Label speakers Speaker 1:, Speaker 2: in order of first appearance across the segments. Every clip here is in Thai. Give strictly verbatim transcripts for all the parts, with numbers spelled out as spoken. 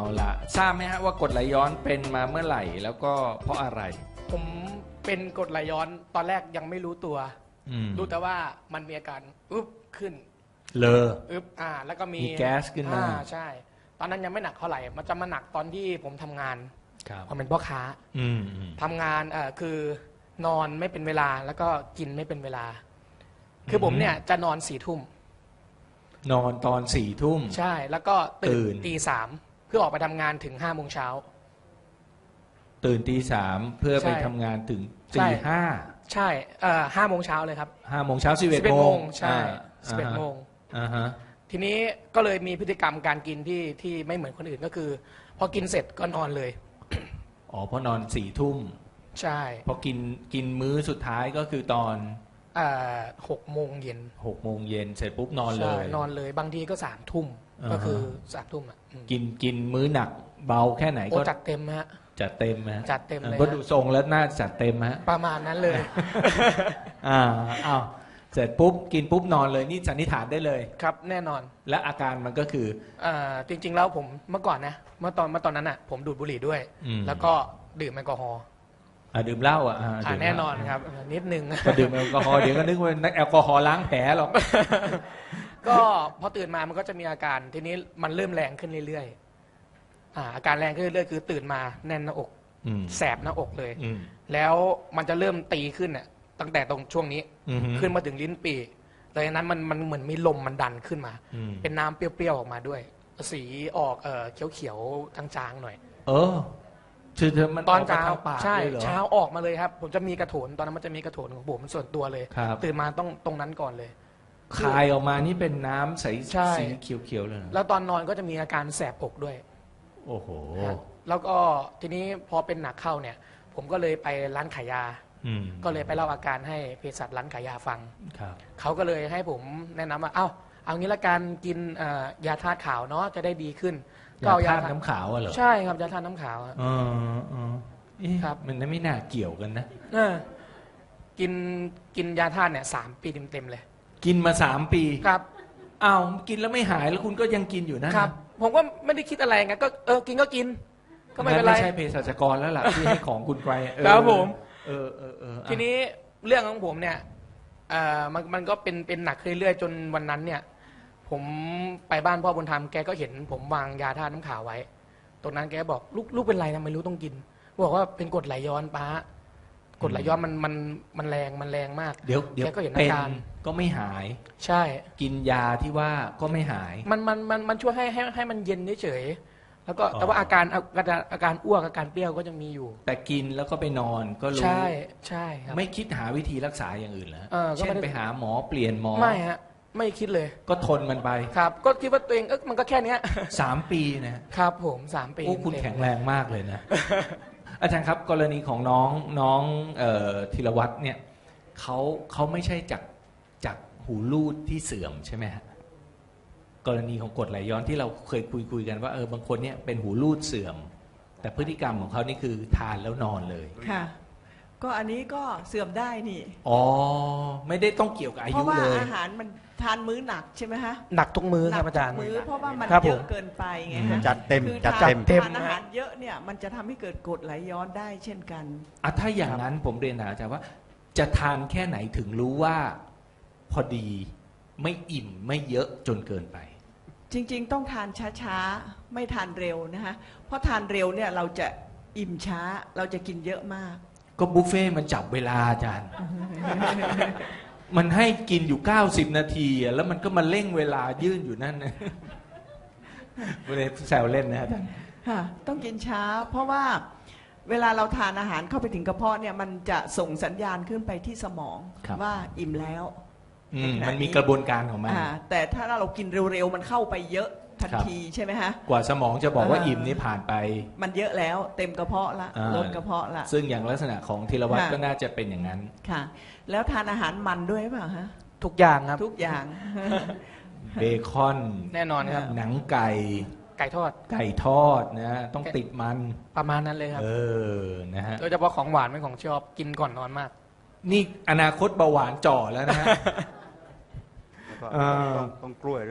Speaker 1: ละทราบไหมฮะว่ากรดไหลย้อนเป็นมาเมื่อไหร่แล้วก็เพราะอะไร
Speaker 2: ผมเป็นกรดไหลย้อนตอนแรกยังไม่รู้ตัวรู้แต่ว่ามันมีอาการอึ๊บขึ้น
Speaker 1: เลอ
Speaker 2: อึ๊บอ่าแล้วก็มี
Speaker 1: มีแก๊สขึ้นมา
Speaker 2: อ่าใช่ตอนนั้นยังไม่หนักเท่าไหร่มันจะมาหนักตอนที่ผมทำงานผมเป็นพ่อค้าทำงานเอ่อคือนอนไม่เป็นเวลาแล้วก็กินไม่เป็นเวลาคือผมเนี่ยจะนอนสี่ทุ่ม
Speaker 1: นอนตอนสี่ทุ่ม
Speaker 2: ใช่แล้วก็ตื่นตีสามเพื่อออกไปทำงานถึงห้าโมงเช้า
Speaker 1: ตื่นตีสามเพื่อไปทำงานถึงตีห้า
Speaker 2: ใช่เอ่อห้าโมงเช้าเลยครับ
Speaker 1: ห้าโมงเช้าสิบเอ็ดโมง
Speaker 2: ใช่สิบเอ็ดโมง
Speaker 1: อ่าฮะ
Speaker 2: ทีนี้ก็เลยมีพฤติกรรมการกินที่ที่ไม่เหมือนคนอื่นก็คือพอกินเสร็จก็นอนเลย
Speaker 1: อ๋อเพราะนอนสี่ทุ่ม
Speaker 2: ใช่
Speaker 1: พอกินกินมื้อสุดท้ายก็คือตอน
Speaker 2: หกโมงเย็น
Speaker 1: หกโมงเย็นเสร็จปุ๊บนอนเลย
Speaker 2: นอนเลยบางทีก็สามทุ่มก็คือสามทุ่มอ่ะ
Speaker 1: กินกินมื้อหนักเบาแค่ไหนก็
Speaker 2: จัดเต็มฮะ
Speaker 1: จัดเต็มฮะ
Speaker 2: จัดเต็มเลย
Speaker 1: ก็ดูทรงแล้วน่าจัดเต็มฮะ
Speaker 2: ประมาณนั้นเลย
Speaker 1: อ่าอ้าวเสร็จปุ๊บกินปุ๊บนอนเลยนี่สันนิษฐานได้เลย
Speaker 2: ครับแน่นอน
Speaker 1: และอาการมันก็คือ
Speaker 2: อ่าจริงๆแล้วผมเมื่อก่อนนะเมื่อตอนเมื่อตอนนั้นอ่ะผมดูดบุหรี่ด้วยแล้วก็ดื่มแอลกอฮอล์
Speaker 1: ดื่มเหล้าอ่ะ
Speaker 2: แน่นอนครับนิดนึง
Speaker 1: พอดื่มแอลกอฮอล์เดี๋ยวก็นึกว่าแอลกอฮอล์ล้างแผลหรอก
Speaker 2: ก็พอตื่นมามันก็จะมีอาการทีนี้มันเริ่มแรงขึ้นเรื่อยๆอ่าอาการแรงขึ้นเรื่อยๆคือตื่นมาแน่นหน้าอกแสบหน้าอกเลยแล้วมันจะเริ่มตีขึ้นเนี่ยตั้งแต่ตรงช่วงนี้ขึ้นมาถึงลิ้นปี่แต่นั้นมันมันเหมือนมีลมมันดันขึ้นมาเป็นน้ำเปรี้ยวๆออกมาด้วยสีออกเออเขียวๆจางๆหน่อย
Speaker 1: เออ
Speaker 2: ตอนเช้าใช่เช้าออกมาเลยครับผมจะมีกระโถนตอนนั้นมันจะมีกระโถนของผมส่วนตัวเลยตื่นมาต้องตรงนั้นก่อนเลย
Speaker 1: คายออกมานี่เป็นน้ำใสสีเขียวๆเลย
Speaker 2: แล้วตอนนอนก็จะมีอาการแสบอกด้วย
Speaker 1: โอ้โห
Speaker 2: แล้วก็ทีนี้พอเป็นหนักเข้าเนี่ยผมก็เลยไปร้านขายยาก็เลยไปเล่าอาการให้เภสัชร้านขายยาฟังเขาก็เลยให้ผมแนะนำว่าเอ้าเอางี้ละกันกินยาธาตุขาวเนาะจะได้ดีขึ้น
Speaker 1: ก็ยาธาตุน้ำขาวเหรอ
Speaker 2: ใช่ครับยาธาตุน้ำขาว
Speaker 1: อ๋อครับมันไม่น่าเกี่ยวกันนะ
Speaker 2: กินกินยาธาตุเนี่ยสามปีเต็มๆเลย
Speaker 1: กินมาสามปี
Speaker 2: ครับ
Speaker 1: อ้าวกินแล้วไม่หายแล้วคุณก็ยังกินอยู่นะครับ
Speaker 2: ผมก็ไม่ได้คิดอะไรไงก็เออกินก็กินก็ไม่เป็นไร
Speaker 1: ไม่ใช่เภสัชกรแล้วล่ะที่ให้ของคุณไกร
Speaker 2: ครับผม
Speaker 1: เออเออเออ
Speaker 2: ทีนี้เรื่องของผมเนี่ยเอ่อมันมันก็เป็นเป็นหนักเรื่อยๆจนวันนั้นเนี่ยผมไปบ้านพ่อบุญธรรมแกก็เห็นผมวางยาธาตุน้ำขาวไว้ตรงนั้นแกบอกลูกลูกเป็นไรทำไมรู้ต้องกินบอกว่าเป็นกรดไหลย้อนป้ากรดไหลย้อนมันมันมันแรงมันแรงมาก
Speaker 1: เดี๋ยวเดี๋ยว
Speaker 2: แกก็เห็นอาการ
Speaker 1: ก็ไม่หาย
Speaker 2: ใช่
Speaker 1: กินยาที่ว่าก็ไม่หาย
Speaker 2: มันมันมันมันช่วยให้ให้ให้มันเย็นเฉยแล้วก็แต่ว่าอาการอาการอาการอ้วกอาการเปรี้ยวก็ยังมีอยู่
Speaker 1: แต่กินแล้วก็ไปนอนก็รู้
Speaker 2: ใช่ใช่ครับ
Speaker 1: ไม่คิดหาวิธีรักษาอย่างอื่นเหรอ
Speaker 2: เช่
Speaker 1: นไปหาหมอเปลี่ยนหมอ
Speaker 2: ไม่ฮะไม่คิดเลย
Speaker 1: ก็ทนมันไป
Speaker 2: ครับก็คิดว่าตัวเองเออมันก็แค่นี้
Speaker 1: สามปี
Speaker 2: นะครับผมสามปี
Speaker 1: โอ้คุณแข็งแรงมากเลยนะอาจารย์ครับกรณีของน้องน้องธีรวัตรเนี่ยเขาเขาไม่ใช่จากจากหูรูดที่เสื่อมใช่ไหมฮะกรณีของกรดไหลย้อนที่เราเคยคุยคุยกันว่าเออบางคนเนี่ยเป็นหูรูดเสื่อมแต่พฤติกรรมของเขานี่คือทานแล้วนอนเลย
Speaker 3: ค่ะก็อันนี้ก็เสื่อมได้นี่
Speaker 1: อ๋อไม่ได้ต้องเกี่ยวกับอายุเลยเพราะว่า
Speaker 3: อาหารมันทานมื้อหนักใช่ไหมฮะ
Speaker 2: หนักทุกมื้อครับอาจารย์
Speaker 3: มื้อเพราะว่ามันเยอะเกินไปไงฮะ
Speaker 4: จัดเต็ม
Speaker 3: จัด
Speaker 4: เต็ม
Speaker 3: ทานอาหารเยอะเนี่ยมันจะทำให้เกิดกรดไหลย้อนได้เช่นกัน
Speaker 1: อ่ะถ้าอย่างนั้นผมเรียนถามอาจารย์ว่าจะทานแค่ไหนถึงรู้ว่าพอดีไม่อิ่มไม่เยอะจนเกินไป
Speaker 3: จริงๆต้องทานช้าๆไม่ทานเร็วนะคะเพราะทานเร็วเนี่ยเราจะอิ่มช้าเราจะกินเยอะมาก
Speaker 1: ก็บุฟเฟ่มันจับเวลาอาจารย์ มันให้กินอยู่เก้าสิบนาทีแล้วมันก็มาเร่งเวลายื่นอยู่นั่นนะไม่ได้แซวเล่นนะอาจารย์
Speaker 3: ค่ะต้องกินช้าเพราะว่าเวลาเราทานอาหารเข้าไปถึงกระเพาะเนี่ยมันจะส่งสัญญาณขึ้นไปที่สมองว่าอิ่มแล้ว
Speaker 1: มันมีกระบวนการของมัน
Speaker 3: แต่ถ้าเรากินเร็วๆมันเข้าไปเยอะทันทีใช่ไหมฮะ
Speaker 1: กว่าสมองจะบอกว่าอิ่มนี่ผ่านไป
Speaker 3: มันเยอะแล้วเต็มกระเพาะละลดกระเพาะละ
Speaker 1: ซึ่งอย่างลักษณะของธีรวัตรก็น่าจะเป็นอย่างนั้น
Speaker 3: ค่ะแล้วทานอาหารมันด้วยเปล่าฮะ
Speaker 2: ทุกอย่างครับ
Speaker 3: ทุกอย่าง
Speaker 1: เบคอน
Speaker 2: แน่นอนครับ
Speaker 1: หนังไก่
Speaker 2: ไก่ทอด
Speaker 1: ไก่ทอดนะต้องติดมัน
Speaker 2: ประมาณนั้นเลยครับ
Speaker 1: เออนะฮะ
Speaker 2: โดยเฉพาะของหวานเป็นของชอบกินก่อนนอนมาก
Speaker 1: นี่อนาคตเบาหวานจ่อแล้วนะฮะ
Speaker 4: ต้องกล้วยด้วย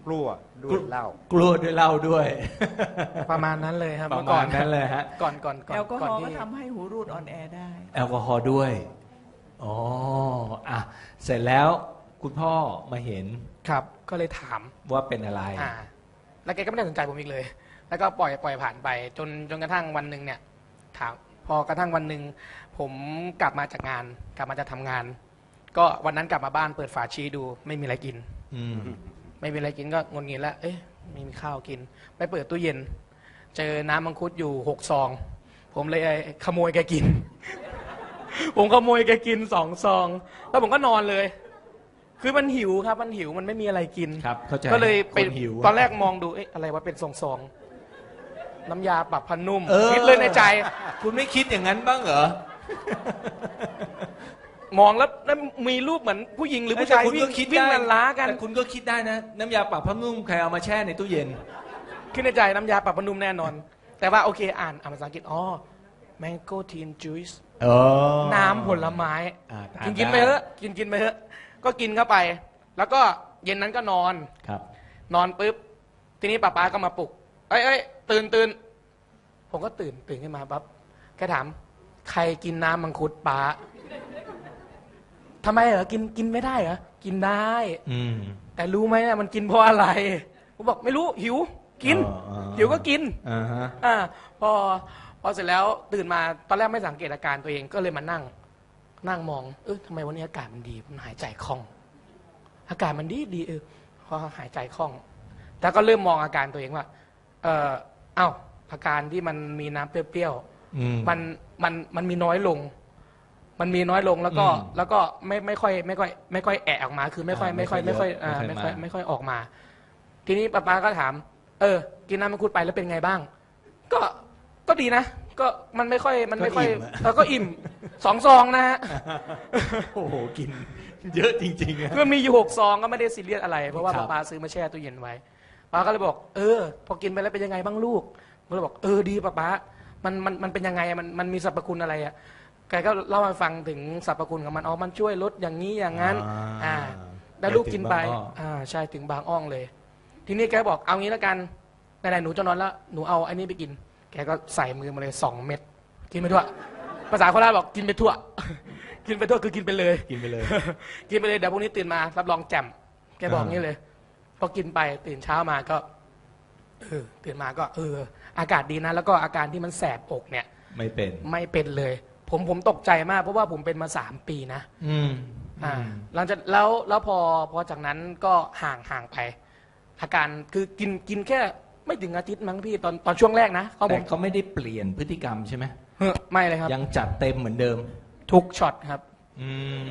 Speaker 4: กลัวด้วยเหล้าก
Speaker 1: ลัวด้วยเหล้าด้วย
Speaker 2: ประมาณนั้นเลยครับ
Speaker 1: ประ
Speaker 2: เมื่อก่
Speaker 1: มา
Speaker 2: อ
Speaker 1: ณ
Speaker 2: น
Speaker 1: นั้นเลยฮะ
Speaker 2: ก่อนก่อนก่อน
Speaker 3: แอลกอฮ
Speaker 2: ก่อน
Speaker 3: อล์ก็
Speaker 2: ที่
Speaker 3: ทำให้หูรูดอ่อนแอได้
Speaker 1: แอลกอฮอล์ด้วยอ๋ออ่ะเสร็จแล้วคุณพ่อมาเห็น
Speaker 2: ครับ ก็เลยถาม
Speaker 1: ว่าเป็นอะไร
Speaker 2: อ่า แล้วแกก็ไม่ได้สนใจผมอีกเลย แล้วก็ปล่อยปล่อยผ่านไป จนจนกระทั่งวันหนึ่งเนี่ยถามพอกระทั่งวันหนึ่งผมกลับมาจากงาน กลับมาจะทำงาน ก็วันนั้นกลับมาบ้านเปิดฝาชีดู ไม่มีอะไรกิน
Speaker 1: อืม
Speaker 2: ไม่มีอะไรกินก็งนงินแล้ว เอ๊ะไม่มีข้าวกิน ไปเปิดตู้เย็น เจอน้ำมังคุดอยู่หกซอง ผมเลยขโมยแกกิน ผมขโมยแกกินสองซอง แล้วผมก็นอนเลย คือมันหิวครับ มันหิว มันไม่มีอะไรกิน
Speaker 1: ครับเข้าใจ
Speaker 2: ก็เลยไป
Speaker 1: คนหิว
Speaker 2: ตอนแรกมองดู เอ๊ะอะไรวะเป็นซองซองๆน้ำยาปรับผ้านุ่ม
Speaker 1: เออ
Speaker 2: คิดเลยในใจ
Speaker 1: คุณไม่คิดอย่างนั้นบ้างเหรอ
Speaker 2: มองแล้วแล้วมีรูปเหมือนผู้หญิงหรือผู้ชาย
Speaker 1: แต่คุณ
Speaker 2: วิ่
Speaker 1: ก็
Speaker 2: ง
Speaker 1: คิด
Speaker 2: วิ่ง
Speaker 1: ได้
Speaker 2: ลันล้ากัน
Speaker 1: แต่คุณก็คิดได้นะ น้ำยาปรับผ้านุ่มใครเอามาแช่ในตู้เย็น
Speaker 2: คิดในใจน้ำยาปรับผ้านุ่มแน่นอน แต่ว่าโอเคอ่านอ่านภาษาอังกฤษอ๋อ mango teen juice
Speaker 1: เออ
Speaker 2: น้ำผลไม้
Speaker 1: อ่าทา
Speaker 2: กินกินไป
Speaker 1: ด้
Speaker 2: เถอะกินกินไปเถอะก็กินเข้าไป แล้วก็เย็นนั้นก็นอน
Speaker 1: ครับ
Speaker 2: นอนปุ๊บทีนี้ป้าป๊าก็มาปลุกเอ้ยเอ้ยตื่นตื่นผมก็ตื่นตื่นขึ้นมาปั๊บแกถามใครกินน้ำมังคุดป้าทำไมเหรอกินกินไม่ได้เหรอกินได้
Speaker 1: อืม
Speaker 2: แต่รู้ไหมเนี่ยมันกินเพราะอะไรผมบอกไม่รู้หิวกิน
Speaker 1: อ๋ออ๋อ
Speaker 2: หิวก็กิน
Speaker 1: อ่าฮะ
Speaker 2: อ่าพอพอเสร็จแล้วตื่นมาตอนแรกไม่สังเกตอาการตัวเองก็เลยมานั่ง นั่งมองเออทำไมวันนี้อากาศมันดีมันหายใจคล่อง อากาศมันดีดีเออพอหายใจคล่อง แล้วก็เริ่มมองอาการตัวเองว่า เออเอ้าอาการที่มันมีน้ำเปรี้ยว
Speaker 1: อืม
Speaker 2: ๆมันมันมันมีน้อยลง มันมีน้อยลงแล้วก็
Speaker 1: อืม
Speaker 2: แล้วก็ไม่ไม่ค่อยไม่ค่อยไม่ค่อยแอะออกมา คือไม่ค่อย
Speaker 1: อ่า
Speaker 2: ไม่ค่อย
Speaker 1: ไม่
Speaker 2: ไม่
Speaker 1: ค่
Speaker 2: ค่
Speaker 1: อ
Speaker 2: อย ยอ่า
Speaker 1: ไม่
Speaker 2: ไม่
Speaker 1: ค่
Speaker 2: ค่
Speaker 1: อ
Speaker 2: อย ย
Speaker 1: มา
Speaker 2: ไม่ค่อยออกมา ทีนี้ป้าป๊าก็ถาม เออ กินน้ำมังคุดไปแล้วเป็นไงบ้าง ก็ก็ดีนะ ก็มันไม่ค่อยมันไม่ค่อย
Speaker 1: ก็อิ่มอะ
Speaker 2: เออก็อิ่มสองซองนะฮะ
Speaker 1: โอ้โหกิน เยอะจริงๆอะ
Speaker 2: คือมีอยู่หกซองก็ไม่ได้ซีเรียสอะไร เพราะว่า
Speaker 1: ครับ
Speaker 2: ป้าซื้อมาแช่ตู้เย็นไว้ป้าก็เลยบอก เออ พอกินไปแล้วเป็นยังไงบ้างลูกผมเลยบอกเออดีป้าป้ามันมันมันเป็นยังไงอะมันมันมีสรรพคุณอะไรอ่ะแกก็เล่าให้ฟังถึงสรรพคุณของมันอ๋อมันช่วยลดอย่างนี้อย่างนั้น อ่า แล้วลูกกินไป
Speaker 1: เดี๋ยวถึงบางอ้อ
Speaker 2: อ่าใช่ถึงบางอ้องเลย ทีนี้แกบอกเอางี้แล้วกันไหนๆหนูจะนอนแล้วหนูเอาไอ้นี่ไปกิน แกก็ใส่มือมาเลยสองเม็ดกินไปทั่วภาษาโคราชบอกกินไปทั่ว กินไปทั่วคือกินไปเลย
Speaker 1: กินไปเลย
Speaker 2: กินไปเลยเดี๋ยวพรุ่งนี้ตื่นมารับรองแจ่มแกบอกงี้เลยพอกินไปตื่นเช้ามาก็เออตื่นมาก็ เออ อากาศดีนะ แล้วก็อาการที่มันแสบอกเนี่ย
Speaker 1: ไม่เป็น
Speaker 2: ไม่เป็นเลย ผมผมตกใจมากเพราะว่าผมเป็นมาสามปีนะ
Speaker 1: อืม
Speaker 2: อ่า หลังจากแล้วแล้วพอพอจากนั้นก็ห่างห่างไป อาการคือกินกินแค่ไม่ถึงอาทิตย์มั้งพี่ตอนตอนช่วงแรกนะเขาผ
Speaker 1: แต่
Speaker 2: ม
Speaker 1: เขาไม่ได้เปลี่ยนพฤติกรรมใช่ไหม
Speaker 2: เฮ้อไม่เลยครับ
Speaker 1: ยังจัดเต็มเหมือนเดิม
Speaker 2: ทุกช็อตครับ
Speaker 1: อืม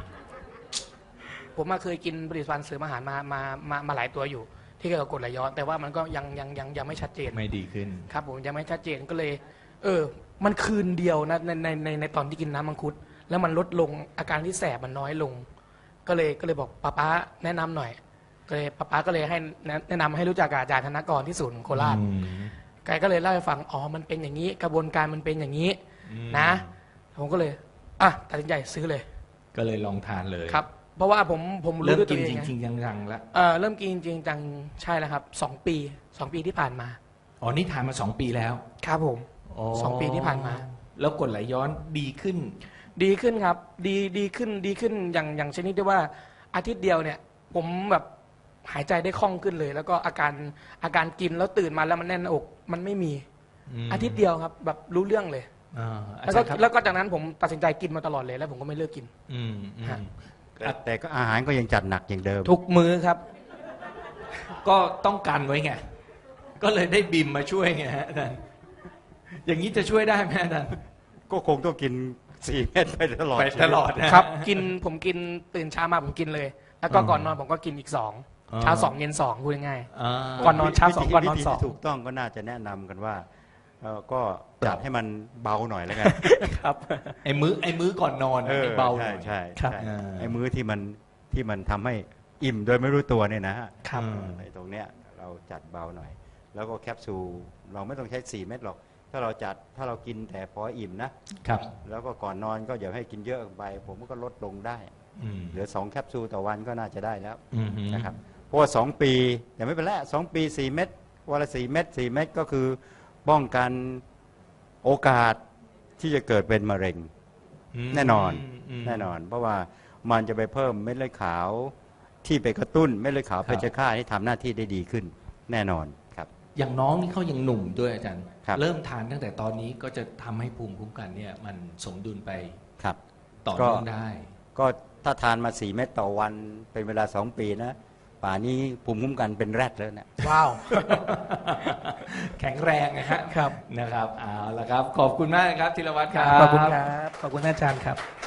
Speaker 2: ผมมาเคยกินผลิตภัณฑ์เสริมอาหารมามามามาหลายตัวอยู่ ที่เกี่ยวกับกรดไหลย้อน แต่ว่ามันก็ยังยังยังยังไม่ชัดเจน
Speaker 1: ไม่ดีขึ้น
Speaker 2: ครับผมยังไม่ชัดเจนก็เลย เออ มันคืนเดียวนะในในในในตอนที่กินน้ำมังคุด แล้วมันลดลงอาการที่แสบมันน้อยลง ก็เลยก็เลยบอกป้าป๊าแนะนำหน่อยก็เลยป้าป๊าก็เลยให้แนะแนะนำให้รู้จักกับอาจารย์ธนกรที่ศูนย์โคราช
Speaker 1: อืม
Speaker 2: แกก็เลยเล่าให้ฟังอ๋อมันเป็นอย่างนี้ กระบวนการมันเป็นอย่างนี้
Speaker 1: อืม
Speaker 2: นะ ผมก็เลยอ่ะตัดสินใจซื้อเลย
Speaker 1: ก็เลยลองทานเลย
Speaker 2: ครับ เพราะว่าผมผมรู้
Speaker 1: เริ่ม
Speaker 2: ด้วยตั
Speaker 1: กิ
Speaker 2: วน เอง
Speaker 1: จ
Speaker 2: ไง
Speaker 1: ริงๆจังๆแล้ว
Speaker 2: เออเริ่มกินจริงจังใช่แล้วครับสองปีสองปีที่ผ่านมา
Speaker 1: อ๋อนี่ทานมาสองปีแล้ว
Speaker 2: ครับผม สองปีที่ผ่านมา
Speaker 1: แล้วกรดไหลย้อนดีขึ้น
Speaker 2: ดีขึ้นครับ ดีดีขึ้นดีขึ้นอย่างอย่างชนิดที่ว่าอาทิตย์เดียวเนี่ย ผมแบบหายใจได้คล่องขึ้นเลย แล้วก็อาการอาการกินแล้วตื่นมาแล้วมันแน่นหน้าอกมันไม่มี
Speaker 1: ม
Speaker 2: อาทิตย์เดียวครับ แบบรู้เรื่องเลย
Speaker 1: อ่าอา
Speaker 2: แล้ว
Speaker 1: จา
Speaker 2: ก็
Speaker 1: รย์ครับ
Speaker 2: แล้วก็จากนั้นผมตัดสินใจกินมาตลอดเลยแล้วผมก็ไม่เลิกกิน
Speaker 1: อืมอืม
Speaker 2: ฮะ
Speaker 4: แต่แต่ก็อาหารก็ยังจัดหนักอย่างเดิม
Speaker 2: ทุกมื้อครับ
Speaker 1: ก็ต้องกันไว้ไง ก็เลยได้บิมมาช่วยไงฮะอาจารย์อย่างนี้จะช่วยได้ไหมอาจารย์
Speaker 4: ก็คงต้องกินสี่เม็ดไปตลอด
Speaker 1: ไปตลอดนะ
Speaker 2: ครับ กินผมกินตื่นเช้ามาผมกินเลย แล้วก็
Speaker 1: อืม
Speaker 2: ก่อนนอนผมก็กินอีกสอง
Speaker 1: อ๋อ
Speaker 2: เช้าสองเย็นสองพูดง่าย
Speaker 1: อ่า
Speaker 2: ก่อนนอนเช้าสอง
Speaker 4: วิธี
Speaker 2: ก่อนนอน
Speaker 4: วิธี
Speaker 2: สอง
Speaker 4: ที่ถูกต้องก็น่าจะแนะนำกันว่าเอ่อก็จัดให้มันเบาหน่อยแล้วกัน
Speaker 2: ๆครับ
Speaker 1: ไอ้มื้อไอ้มื้อก่อนนอน
Speaker 4: เออ
Speaker 1: ไอ้เบาห
Speaker 4: ใช่
Speaker 1: น่อย
Speaker 4: ใช่
Speaker 2: ครับ
Speaker 4: ใช่
Speaker 1: อ่า
Speaker 4: ไอ้มื้อที่มันที่มันทำให้อิ่มโดยไม่รู้ตัวเนี่ยนะฮะ
Speaker 2: ครับ
Speaker 1: อืม
Speaker 4: ไอ้ตรงเนี้ยเราจัดเบาหน่อย แล้วก็แคปซูลเราไม่ต้องใช้สี่เม็ดหรอก ถ้าเราจัดถ้าเรากินแต่พออิ่มนะ
Speaker 1: ครับ
Speaker 4: แล้วก็ก่อนนอนก็อย่าให้กินเยอะไป ผมก็ลดลงได้
Speaker 1: อืม
Speaker 4: เหลือสองแคปซูลต่อวันก็น่าจะได้แล้ว
Speaker 1: อืม
Speaker 4: นะครับเพราะว่าสองปีแต่ไม่เป็นไรสองปีสี่เม็ดวันละสี่เม็ดสี่เม็ดก็คือป้องกันโอกาสที่จะเกิดเป็นมะเร็งแน่นอนแน่นอน เพราะว่ามันจะไปเพิ่มเม็ดเลือดขาวที่ไปกระตุ้นเม็ดเลือดขาวเพชฌฆาตให้ทำหน้าที่ได้ดีขึ้นแน่นอนครับ
Speaker 1: อย่างน้องนี่เขายังหนุ่มด้วยอาจารย์
Speaker 4: ครับ
Speaker 1: เริ่มทานตั้งแต่ตอนนี้ก็จะทำให้ภูมิคุ้มกันเนี่ยมันสมดุลไป
Speaker 4: ครับ
Speaker 1: ต่อเนื่องได้
Speaker 4: ก็ถ้าทานมาสี่เม็ดต่อวันเป็นเวลาสองปีนะป่านี้ภูมิคุ้มกันเป็นแรดแล้วนะ
Speaker 2: ว้าว
Speaker 1: แข็งแรงนะฮะ
Speaker 2: ครับ
Speaker 1: นะครับเอาละครับ ขอบคุณมากนะครับธีรวัตรครับ
Speaker 2: ขอบคุณครับ ขอบคุณอาจารย์ครับ